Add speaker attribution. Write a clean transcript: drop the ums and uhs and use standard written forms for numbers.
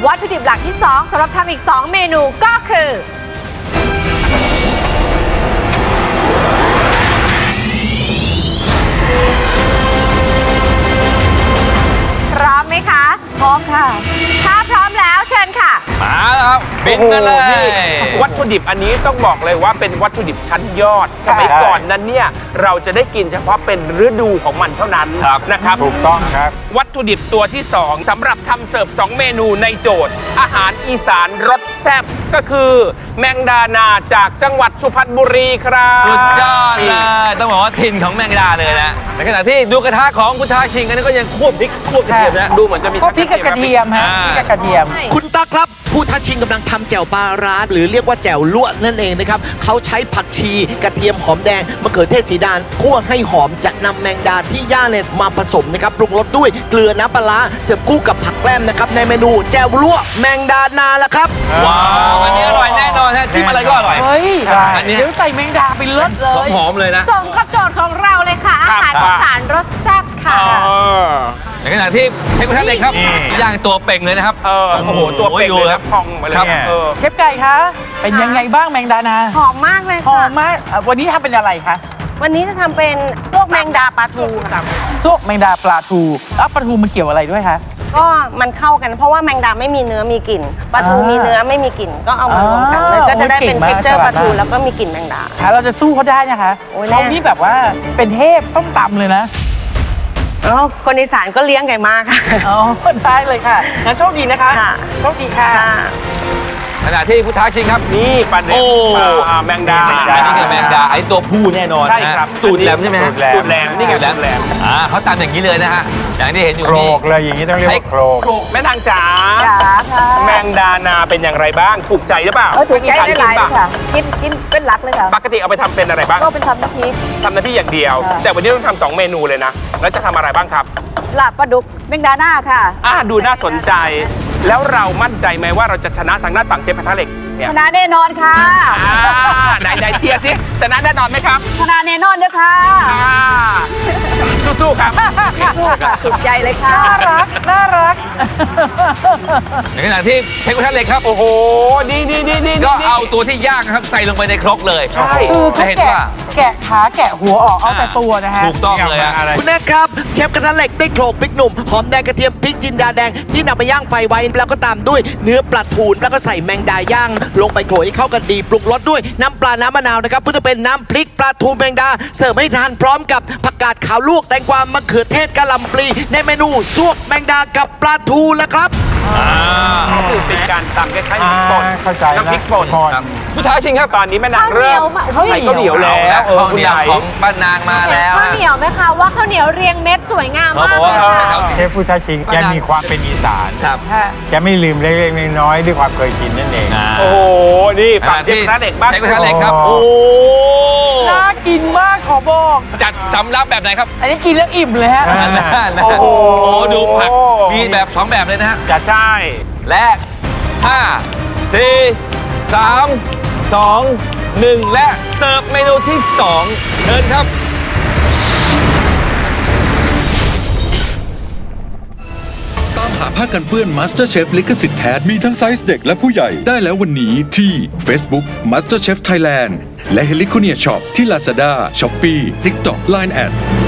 Speaker 1: วัตถุดิบหลักที่ 2สำหรับทำอีก 2 เมนูก็คือพร้อมไหมคะพร้อมค่ะถ้าพร้อมแล้วเชิญค่ะ
Speaker 2: มาแล้วครับบินมาเลย
Speaker 3: วัตถุดิบอันนี้ต้องบอกเลยว่าเป็นวัตถุดิบชั้นยอดสมัยก่อนนั้นเนี่ยเราจะได้กินเฉพาะเป็นฤดูของมันเท่านั้นนะครับ
Speaker 4: ถูกต้องครับ
Speaker 3: วัตถุดิบตัวที่ 2สำหรับทำเสิร์ฟ2 เมนูในโจทย์อาหารอีสานรสแซ่บก็คือแมงดานาจากจังหวัดสุพรรณบุรีครับ
Speaker 2: สุดยอดเลยต้องบอกว่าถิ่นของแมงดาเลยนะในขณะที่ดูกระทะของคุณท้าชิงกันก็ยังควบพริกควบกระเทียมนะ
Speaker 3: ดูเหมือนจะมี
Speaker 5: พริกกับกระเทียมฮะพริกกับกระเทียม
Speaker 6: คุณตั๊กครับผู้ท้าชิงกำลังทำแจ่วปลาร้าหรือเรียกว่าแจ่วลวกนั่นเองนะครับเขาใช้ผักชีกระเทียมหอมแดงมะเขือเทศสีดานคั่วให้หอมจะนำแมงดาที่ย่างเนี่ยมาผสมนะครับปรุงรสด้วยเกลือน้ำปลาเสิร์ฟคู่กับผักแกล้มนะครับในเมนูแจ่วลวกแมงดานาละครับ
Speaker 2: ว้าวอันนี้อร่อยแน่นอนฮะจิ้มอะไรก็อร่อย
Speaker 5: เฮ้ยเดี๋ยวใส่แมงดาไปเลิศเลย
Speaker 2: หอมเลยนะ
Speaker 1: ส่งกับโจทย์ของเราเลยค่ะอาหารอีสานรสแซ่บค่ะ
Speaker 2: ในขณะที่เชฟกระทะเหล็กครับย่างตัวเป่งเลยนะครับ
Speaker 3: โอ้โหตัวเป่งเลยครับพองมาเลยเนี่ย
Speaker 5: เชฟไก่คะเป็นยังไงบ้างแมงดานา
Speaker 7: หอมมากเลยค่ะ
Speaker 5: หอมมากวันนี้ทำเป็นอะไรคะ
Speaker 7: วันนี้จะทำเป็นพวกแมงดาปลาทูค่ะ
Speaker 5: ซุปแมงดาปลาทูแล้วปลาทูมันเกี่ยวอะไรด้วยคะ
Speaker 7: ก็มันเข้ากันเพราะว่าแมงดาไม่มีเนื้อมีกลิ่นปลาทูมีเนื้อไม่มีกลิ่นก็เอามารวมกันแล้วก็จะได้เป็นเท็กเจอร์ปลาทูแล้วก็มีกลิ่นแมงดา
Speaker 5: เราจะสู้เขาได้นะคะเขานี่แบบว่าเป็นเทพส้มตำเลยนะ
Speaker 7: คนอีสานก็เลี้ยงไก่มาค่ะ
Speaker 5: อ๋อได้เลยค่ะงั้นโชคดีนะคะโชคดีค่ะ
Speaker 2: ขณะที่ผู้ท้าชิงครับ
Speaker 3: นี่ปลาเด็กแมงดา
Speaker 2: อันนี้คือแมงดาไอ้ตัวผู้แน่นอน
Speaker 3: ใช่ครับ
Speaker 2: ตูดแหลมใช่ไหม
Speaker 3: ตูดแหลมนี่ไงตูดแหลม
Speaker 2: เขาตำอย่างนี้เลยนะฮะอย่างที่เห็นอยู่
Speaker 4: นี่โครกเลยอย่างนี้ต้องเรียกว่าโครก
Speaker 3: แม่นางจ๋าแมงดานาเป็นอย่างไรบ้างถูกใจหรือเปล่า
Speaker 1: ถูกใจหลายค่ะกินเป็นหลักเลยค่ะ
Speaker 3: ปกติเอาไปทำเป็นอะไรบ้าง
Speaker 1: ก็เป็นทำน้ำพริก
Speaker 3: อย่างเดียวแต่วันนี้ต้องทำ2 เมนูเลยนะแล้วจะทำอะไรบ้างครับ
Speaker 1: ลาบปลาดุกแมงดานาค่ะ
Speaker 3: ดูน่าสนใจแล้วเรามั่นใจไหมว่าเราจะชนะทางด้านฝั่งเชฟกระทะเหล็กเนี่ย
Speaker 1: ชนะแน่นอนค่ะ
Speaker 3: ไหนเชียร์สิชนะแน่นอนไหมครับ
Speaker 1: ชนะแน่นอนด้วยค่ะ
Speaker 3: สู้ๆครับ
Speaker 1: สุดใจเลยค่ะ
Speaker 5: น่ารัก
Speaker 2: ในขณะที่เชฟกระทะเหล็กครับ
Speaker 3: โอ้โหนี่
Speaker 2: ก็เอาตัวที่ย่างครับใส่ลงไปในครกเลย
Speaker 5: ใช่คือแกะขาแกะหัวออกเอาแต่ตัวนะฮะ
Speaker 2: ถูกต้องเลย
Speaker 6: คุณแม่ครับเชฟกระทะเหล็กได้โขลกพริกหนุ่มหอมแดงกระเทียมพริกจินดาแดงที่นำไปย่างไฟไว้แล้วก็ตามด้วยเนื้อปลาทูแล้วก็ใส่แมงดาย่างลงไปโขลกให้เข้ากันดีปรุงรสด้วยน้ำปลาน้ำมะนาวนะครับเพื่อเป็นน้ำพริกปลาทูแมงดาเสิร์ฟให้ทานพร้อมกับผักกาดขาวลวกแตงกวามะเขือเทศกะหล่ำปลีในเมนูซวกแมงดากับปลาทูแล้วครับ
Speaker 3: คือเป็นการตำคล้ายๆน้ำป่นน้ำพริกป่น
Speaker 2: ผู้ท้าชิงครับ
Speaker 3: ตอนนี้แม่นางเริ่มใส่ข้าวเหนียวแล้ว
Speaker 2: ข้าวเหนียวของป้านางมาแล้ว
Speaker 1: ข้าวเหนียวไหมคะว่าข้าวเหนียวเรียงเม็ดสวยงามมากเลยค่ะ
Speaker 4: เชฟผู้ท้าชิงแกมีความเป็นอีสานแกไม่ลืมเล็กๆน้อยๆด้วยความเคยชินนั่นเอง
Speaker 3: โอ้โหนี่ฝั่งเชฟกระทะเหล็กบ้าง
Speaker 2: เชฟกระทะเหล็กครับโอ้
Speaker 5: น่ากินมากขอบอก
Speaker 2: จัดสำรับแบบไหนครับ
Speaker 5: อันนี้กินแล้วอิ่มเลยฮะ
Speaker 2: โอ้โหดูผักมีแบบ2แบบเลยนะฮะ
Speaker 3: จัดใช่
Speaker 2: และ5 4 3 2 1และเสิร์ฟเมนูที่2เชิญครับ
Speaker 8: ตามหาผ้ากันเปื้อน MasterChef ลิขสิทธิ์แท้มีทั้งไซส์เด็กและผู้ใหญ่ได้แล้ววันนี้ที่ Facebook MasterChef Thailand และ Heliconia Shop ที่ Lazada, Shopee, TikTok, Line@